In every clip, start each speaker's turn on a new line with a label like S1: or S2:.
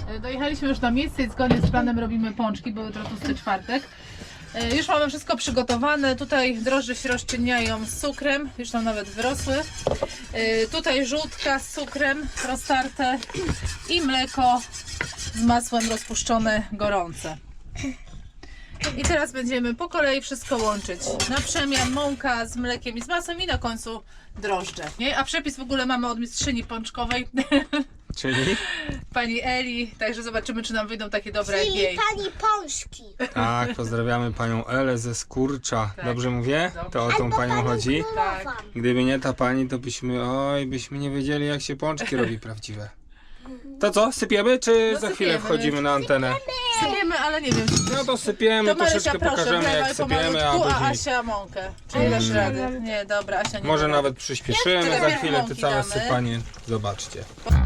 S1: Dojechaliśmy już na miejsce i zgodnie z planem robimy pączki, bo jutro tłusty czwartek. Już mamy wszystko przygotowane. Tutaj drożdże się rozczyniają z cukrem, już tam nawet wyrosły. Tutaj żółtka z cukrem roztarte i mleko z masłem rozpuszczone gorące. I teraz będziemy po kolei wszystko łączyć. Na przemian mąka z mlekiem i z masłem i na końcu drożdże. A przepis w ogóle mamy od mistrzyni pączkowej.
S2: Czyli?
S1: Pani Eli, także zobaczymy, czy nam wyjdą takie dobre jak
S3: Czyli
S1: jej.
S3: pani pączki.
S2: Tak, pozdrawiamy panią Elę ze Skurcza.
S1: Tak.
S2: Dobrze mówię?
S1: Dobrze.
S2: To o tą panią chodzi?
S1: Tak.
S2: Gdyby nie ta pani, to byśmy nie wiedzieli, jak się pączki robi prawdziwe. To co, sypiemy, czy
S1: No
S2: za chwilę
S1: sypiemy.
S2: wchodzimy na antenę?
S1: Sypiemy, ale nie wiem.
S2: No to sypiemy,
S1: To Marysia,
S2: troszeczkę
S1: proszę,
S2: pokażemy,
S1: wlewaj
S2: jak sypiemy, a
S1: pomalutku, a
S2: później
S1: Asia mąkę. Czy nie dasz rady? Nie, dobra, Asia nie
S2: może
S1: da
S2: nawet
S1: rady.
S2: przyspieszymy, za
S1: Najpierw
S2: chwilę te
S1: mąki
S2: całe
S1: damy.
S2: sypanie zobaczcie.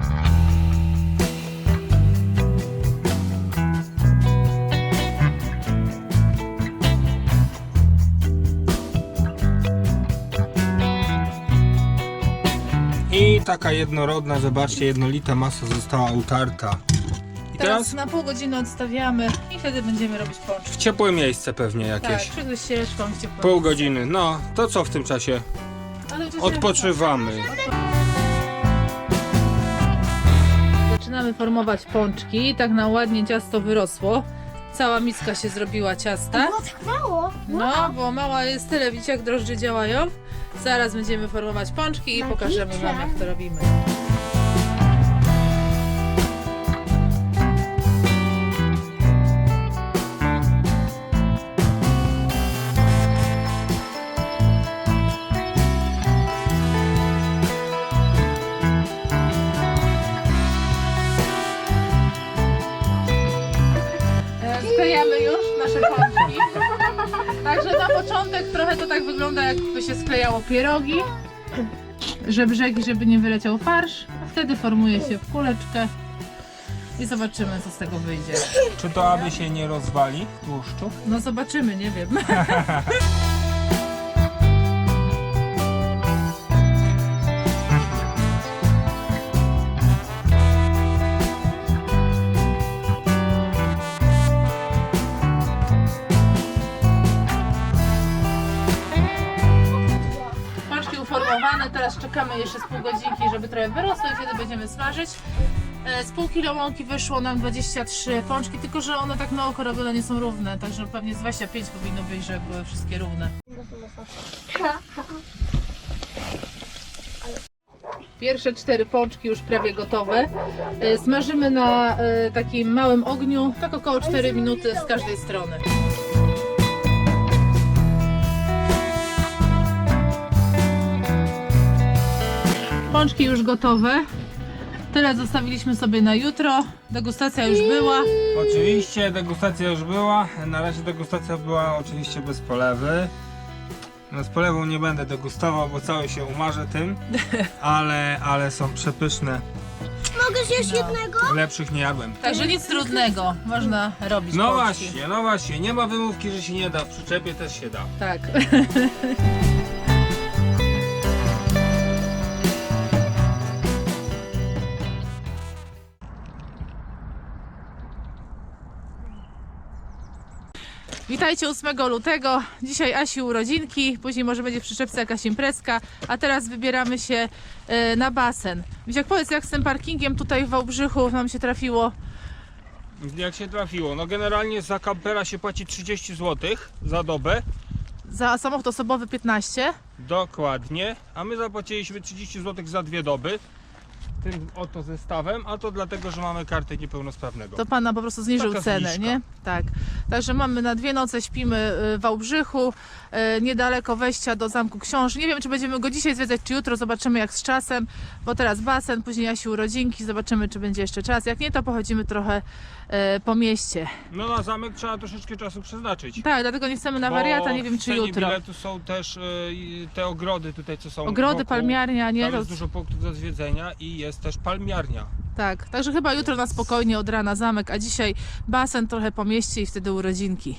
S2: I taka jednorodna, zobaczcie, jednolita masa została utarta. I
S1: Teraz
S2: teraz
S1: na pół godziny odstawiamy i wtedy będziemy robić pączki.
S2: w ciepłe miejsce pewnie
S1: Tak,
S2: jakieś.
S1: przed ścieżką w ciepłym.
S2: Pół godziny. No, to co w tym czasie?
S1: Ale przecież-
S2: Odpoczywamy.
S1: Zaczynamy formować pączki. Tak na ładnie ciasto wyrosło. Cała miska się zrobiła ciasta.
S3: Było tak mało.
S1: No, bo mała jest tyle, widzicie jak drożdże działają. Zaraz będziemy formować pączki i pokażemy wam, jak to robimy. Sklejamy już nasze pączki. Także na początek trochę to tak wygląda, jakby się sklejało pierogi, że brzegi, żeby nie wyleciał farsz. A wtedy formuje się w kuleczkę i zobaczymy, co z tego wyjdzie.
S2: Czy to aby się nie rozwali w tłuszczu?
S1: No zobaczymy, nie wiem. Pączki uformowane, teraz czekamy jeszcze z pół godzinki, żeby trochę wyrosły i wtedy będziemy smażyć. Z pół kilo mąki wyszło nam 23 pączki, tylko że one tak na oko robione nie są równe, także pewnie z 25 powinno być, żeby były wszystkie równe. Pierwsze 4 pączki już prawie gotowe. Smażymy na takim małym ogniu, tak około 4 minuty z każdej strony. Pączki już gotowe. Tyle zostawiliśmy sobie na jutro. Degustacja już była.
S2: Oczywiście degustacja już była. Na razie degustacja była oczywiście bez polewy. No z polewą nie będę degustował, bo cały się umarzę tym. Ale są przepyszne.
S3: Mogę zjeść jednego?
S2: Lepszych nie jadłem.
S1: Także nic trudnego. Można robić
S2: No
S1: pączki.
S2: właśnie, no właśnie. Nie ma wymówki, że się nie da. W przyczepie też się da.
S1: Tak. Witajcie 8 lutego. Dzisiaj Asi urodzinki, później może będzie w przyczepce jakaś imprezka, a teraz wybieramy się na basen. Wisiak, powiedz, jak z tym parkingiem tutaj w Wałbrzychu nam się trafiło?
S2: Jak się trafiło? No generalnie za kampera się płaci 30 zł za dobę.
S1: Za samochód osobowy 15.
S2: Dokładnie. A my zapłaciliśmy 30 zł za 2 doby. Tym oto zestawem, a to dlatego, że mamy kartę niepełnosprawnego.
S1: To pana po prostu zniżył
S2: Taka
S1: cenę,
S2: zniżka.
S1: nie? Tak. Także mamy na 2 noce, śpimy w Wałbrzychu, niedaleko wejścia do Zamku Książ. Nie wiem, czy będziemy go dzisiaj zwiedzać, czy jutro, zobaczymy jak z czasem, bo teraz basen, później Asi urodzinki, zobaczymy, czy będzie jeszcze czas. Jak nie, to pochodzimy trochę po mieście.
S2: No na zamek trzeba troszeczkę czasu przeznaczyć.
S1: Tak, dlatego nie chcemy na wariata, nie wiem,
S2: w
S1: czy
S2: cenie
S1: jutro.
S2: biletu są też te ogrody tutaj, co są
S1: Ogrody,
S2: wokół.
S1: palmiarnia, nie?
S2: Tam
S1: To,
S2: jest dużo punktów do zwiedzenia i jest też palmiarnia.
S1: tak, także chyba jutro na spokojnie od rana zamek, a dzisiaj basen trochę po mieście i wtedy urodzinki.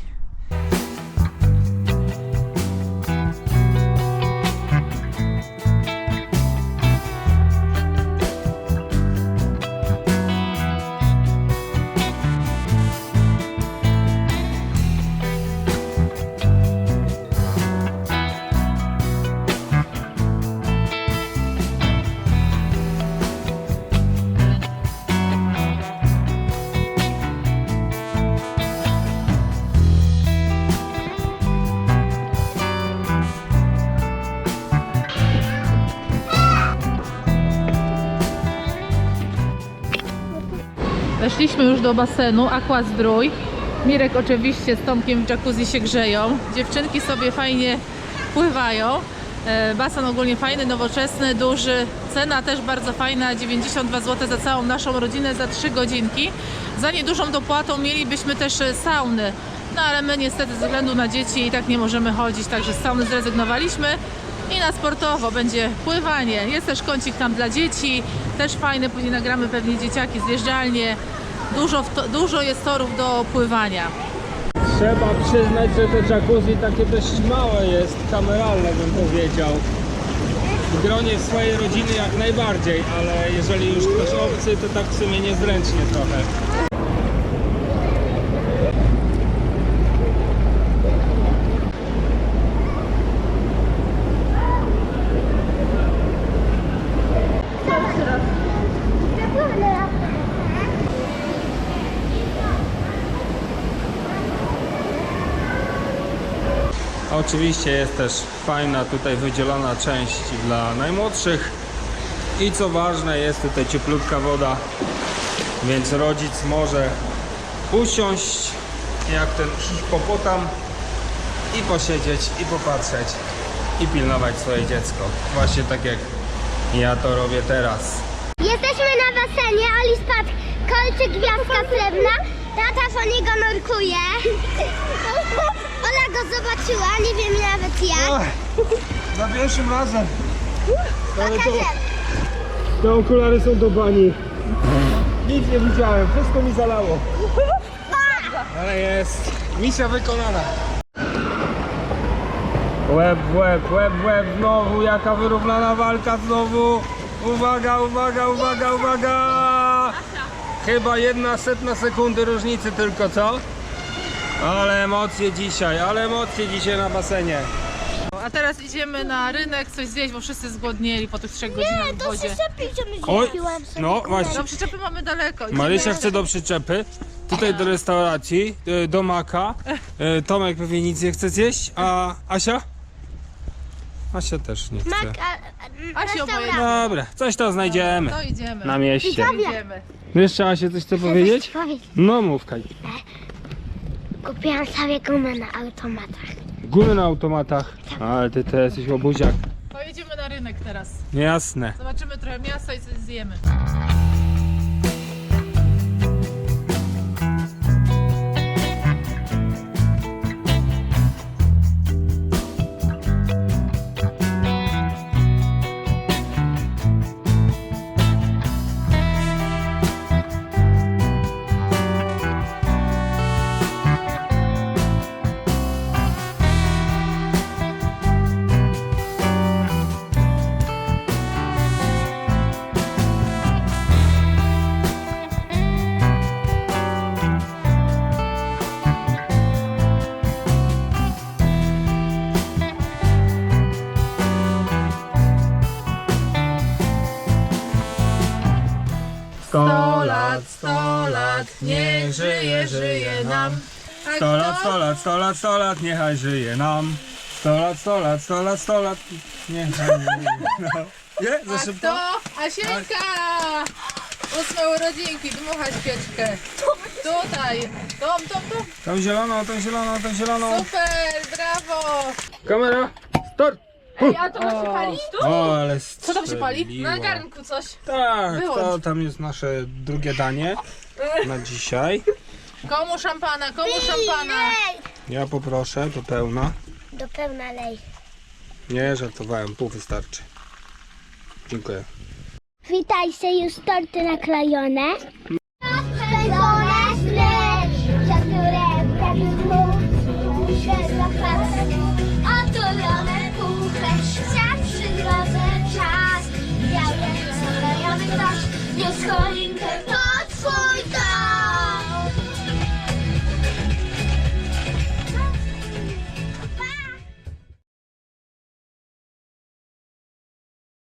S1: Weszliśmy już do basenu Aqua Zdrój. Mirek oczywiście z Tomkiem w jacuzzi się grzeją. Dziewczynki sobie fajnie pływają. Basen ogólnie fajny, nowoczesny, duży. Cena też bardzo fajna, 92 zł za całą naszą rodzinę za 3 godzinki. Za niedużą dopłatą mielibyśmy też sauny. No ale my niestety ze względu na dzieci i tak nie możemy chodzić, także z sauny zrezygnowaliśmy. I na sportowo będzie pływanie. Jest też kącik tam dla dzieci, też fajny, później nagramy pewnie dzieciaki, zjeżdżalnie. Dużo jest torów do pływania.
S2: Trzeba przyznać, że to jacuzzi takie dość małe jest, kameralne bym powiedział. W gronie swojej rodziny jak najbardziej, ale jeżeli już ktoś obcy, to tak w sumie niezręcznie trochę. Oczywiście jest też fajna tutaj wydzielona część dla najmłodszych i co ważne, jest tutaj cieplutka woda, więc rodzic może usiąść jak ten hipopotam i posiedzieć i popatrzeć i pilnować swoje dziecko, właśnie tak jak ja to robię teraz.
S3: Jesteśmy na basenie, Oli spadł kolczyk, gwiazdka srebrna. Tata po niego nurkuje. Ola go zobaczyła, nie wiem nawet jak.
S2: Za pierwszym razem. Ale to,
S3: Pokażę.
S2: te okulary są do bani. Nic nie widziałem, wszystko mi zalało. Ale jest misja wykonana. Łeb w łeb, łeb w łeb, znowu jaka wyrównana walka znowu. Uwaga, uwaga, uwaga, uwaga! Chyba 1/100 sekundy różnicy tylko, co? Ale emocje dzisiaj na basenie.
S1: A teraz idziemy na rynek coś zjeść, bo wszyscy zgłodnieli po tych 3 godzinach w
S3: To
S1: wodzie.
S3: się szepnij, że my
S2: Oj,
S3: kupiłam sobie
S2: no
S3: kulę.
S2: właśnie.
S1: No przyczepy mamy daleko. Idziemy.
S2: Marysia chce do przyczepy, tutaj do restauracji, do Maka. Tomek pewnie nic nie chce zjeść, a Asia? Asia też nie chce.
S3: Mak,
S1: Asiu,
S3: restauracja.
S2: Dobra, coś to znajdziemy
S1: To idziemy.
S2: na mieście.
S1: Idziemy.
S2: Jeszcze Asia coś chce powiedzieć? No mów, Kaj.
S3: Kupiłam sobie gumę na automatach.
S2: Gumy na automatach. Ale ty jesteś łobuziak.
S1: To idziemy na rynek teraz.
S2: Jasne.
S1: Zobaczymy trochę miasta i coś zjemy.
S2: Sto
S1: 100 lat, niech żyje, żyje nam.
S2: 100 lat, 100 lat, 100 lat, 100 lat, niechaj żyje nam. 100 lat, 100 lat, 100 lat, 100 lat, niechaj żyje nam. Nie? Za
S1: A
S2: szybko?
S1: kto? Asienka! 8 urodzinki, dmucha świeczkę. Tutaj. Tom.
S2: Tą zieloną, tą zieloną, tą zieloną.
S1: Super, brawo.
S2: Kamera, start!
S1: Ej, a to się pali?
S2: O, ale
S1: Co tam się pali?
S2: strzeliło.
S1: Na garnku coś.
S2: Tak,
S1: Wyłącz.
S2: to tam jest nasze drugie danie na dzisiaj.
S1: Komu szampana, komu szampana?
S2: Ja poproszę, do pełna.
S3: Do pełna lej.
S2: Nie, żartowałem, pół wystarczy. Dziękuję.
S3: Witajcie, już torty naklejone.